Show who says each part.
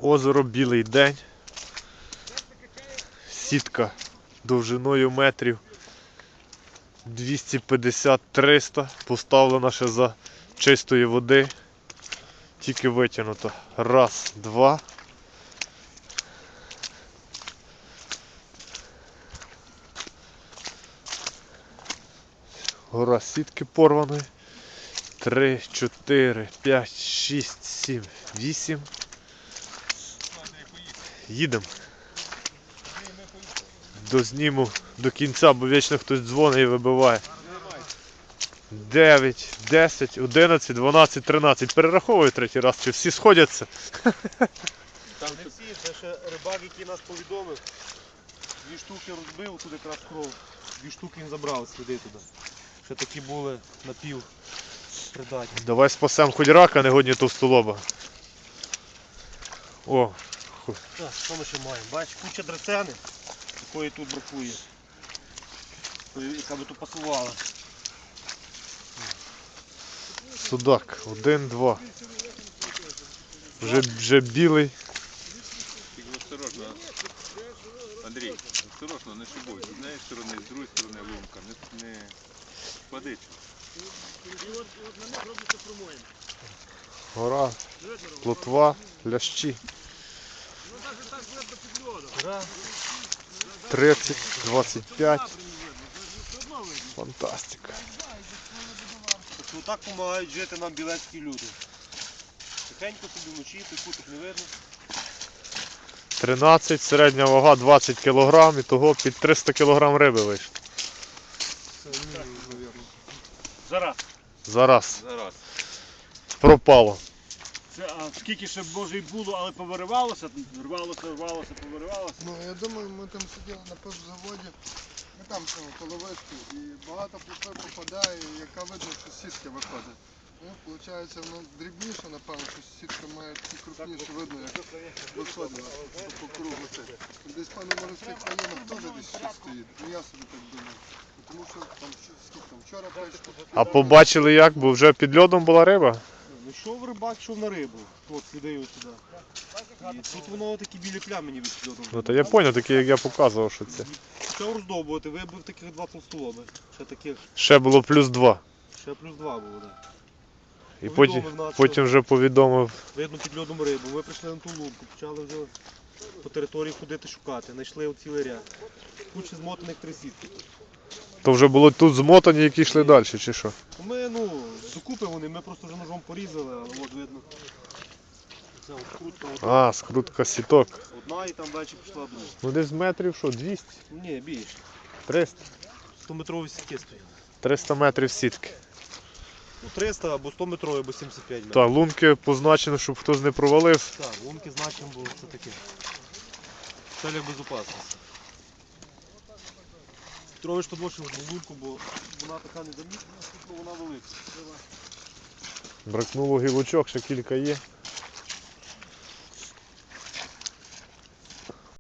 Speaker 1: Озеро Білий День. Сітка довжиною метрів 250-300. Поставлена ще за чистої води. Тільки витягнуто. Раз, два. Гора сітки порваної. 3, 4, 5, 6, 7, 8. Їдемо. Дозніму до кінця, бо вічно хтось дзвонить і вибиває. 9, 10, 11, 12, 13. Перераховую третій раз, чи всі сходяться.
Speaker 2: Там не всі, це ще рибак, який нас повідомив. 2 штуки розбив, тут якраз кров. 2 штуки він забрав, сліди туди. Ще такі були напів придатні.
Speaker 1: Давай спасемо хоч рака, негодні товстолоба. О,
Speaker 2: Так, що ми ще маємо? Бачиш, куча драцени, якої тут бракує. Яка би тут пасувала.
Speaker 1: судак. 1, 2. Вже білий.
Speaker 3: Тільки осторожно, Андрій, осторожно, не шибуй. З однієї сторони, з другої сторони лунка. Не впадить.
Speaker 1: Гора, плотва, лящі. 30, 25. Фантастика.
Speaker 2: Отак допомагають жити нам білецькі люди. Тихенько собі вночі, куток не видно.
Speaker 1: 13, середня вага 20 кг, і того під 300 кг риби вийшло.
Speaker 2: Зараз.
Speaker 1: Зараз.
Speaker 3: Зараз.
Speaker 1: Пропало.
Speaker 2: Це, а скільки ще може й було, але повиривалося, рвалося, повиривалося.
Speaker 4: Ну, я думаю, ми там сиділи на пивзаводі, ми там коло вишки, і багато плотви попадає, і яка видно, що сітки виходить. Ну, виходить, воно дрібніше, напевно, що сітка має такі крупніше, видно, як виходить по кругу це. Десь, певно, в морських районах теж десь щось стоїть, ну я собі так думаю. Тому що там, скільки там, вчора прийшло.
Speaker 1: А побачили як? Бо вже під льодом була риба?
Speaker 2: Ну йшов рибак, йшов на рибу. От сліди ось сюди. І тут воно такі білі плями ніби під льодом.
Speaker 1: Ну то я зрозумів, такі як я показував, що це.
Speaker 2: Почав роздовбувати, вибив таких 2 толстолоби. Ще таких,
Speaker 1: Ще було плюс 2.
Speaker 2: ще плюс 2 було, так.
Speaker 1: І
Speaker 2: Повідомив нас,
Speaker 1: потім вже повідомив.
Speaker 2: Видно під льодом рибу. Ми прийшли на ту лунку, почали вже по території ходити шукати. Знайшли от цілий ряд. Куча змотаних 3 сітки.
Speaker 1: То вже було тут змотані, які йшли далі, чи що?
Speaker 2: Ми, докупи вони, ми просто вже ножом порізали, але от видно. Це от скрутка одна,
Speaker 1: А, скрутка сіток.
Speaker 2: і там далі пішла друга.
Speaker 1: Ну десь метрів що, 200?
Speaker 2: Ні, більше.
Speaker 1: 300?
Speaker 2: 100-метрові сітки стоять.
Speaker 1: 300 метрів сітки.
Speaker 2: Ну, 300 або 100 метрові, або 75 метрів.
Speaker 1: Так, лунки позначено, щоб хтось не провалив.
Speaker 2: Так, лунки значимо було, це таке. В целях безопасності. Петрович підвошив лунку, бо вона така не замітна, вона велика.
Speaker 1: Бракнуло гілочок, ще кілька є.